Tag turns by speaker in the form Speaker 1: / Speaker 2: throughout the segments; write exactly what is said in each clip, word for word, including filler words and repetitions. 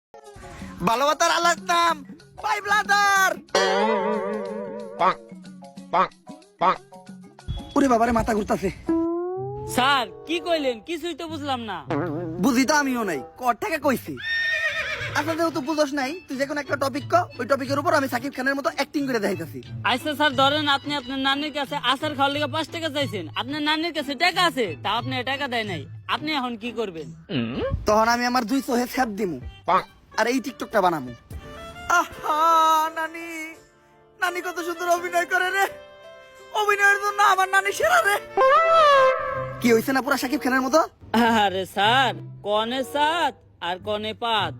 Speaker 1: ভালোবাসার আলাদা by brother. ওরে বাবারে মাথা ঘুরতাছে।
Speaker 2: স্যার কি কইলেন কিছুই তো বুঝলাম না।
Speaker 1: বুঝি তো আমিও নাই, কর থেকে কইছি। আচ্ছা যেহেতু বুঝোস নাই, তুই যে কোনো একটা টপিক ক, ওই টপিকের উপর আমি সাকিব খানের মতো অ্যাক্টিং করে দেখাইতাছি।
Speaker 2: আচ্ছা স্যার ধরেন আপনি আপনার নানির কাছে আচার খাওয়ার লেগে পাঁচ টাকা চাইছেন, আপনার নানির কাছে টাকা আছে তা আপনি টাকা দেয় নাই, আপনি এখন কি করবেন?
Speaker 1: তখন আমি আমার দুই চোহে ছ্যাপ দিমু আর এই টিকটকটা বানামু। আহা নানি, নানি কত সুন্দর অভিনয় করে রে, অভিনয়ের জন্য আমার নানি সেরা রে। কি হইছে না পুরা সাকিব খানের মতো?
Speaker 2: আরে স্যার কনে সাত আর কনে পাত।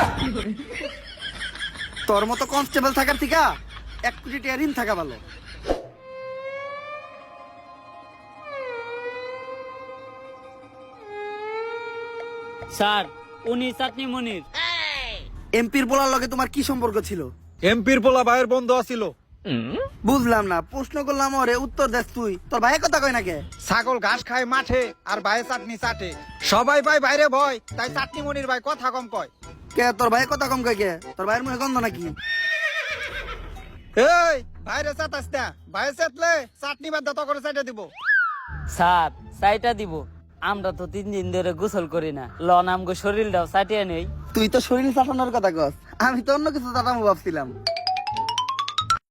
Speaker 1: তোর মতো কনস্টেবল থাকার থেকে এক কোটি টাকা ঋণ থাকা ভালো।
Speaker 2: স্যার উনি চাটনি মনির।
Speaker 1: এমপির বলার লগে তোমার কি সম্পর্ক ছিল?
Speaker 3: এমপির পোলা ভাইয়ের বন্ধু আছিল।
Speaker 1: বুঝলাম না, প্রশ্ন করলাম ওরে উত্তর দেস তুই। তোর ভাই কথা কয় না কে?
Speaker 3: ছাগল ঘাস খায় মাঠে আর ভাইয়ে চাটনি চাটে। সবাই ভাই বাইরে ভয়, তাই চাটনি মনির ভাই কথা কম কয়।
Speaker 1: কে তোর ভাই কথা কম কয় কে? তোর ভাইয়ের মুখে গন্ধ নাকি?
Speaker 3: এই ভাইরে চাটাস না, ভাইয়ে চাটলে চাটনি বাদ দত করে চাইটা দিব।
Speaker 2: স্যার চাইটা দিব, আমরা তো তিন দিন ধরে গোসল করি না, লন আমগো শরীরটাও চাটিয়ে নেই।
Speaker 1: তুই তো শরীর চাটানোর কথা কস, আমি তো অন্য কিছু চাটামো ভাবছিলাম।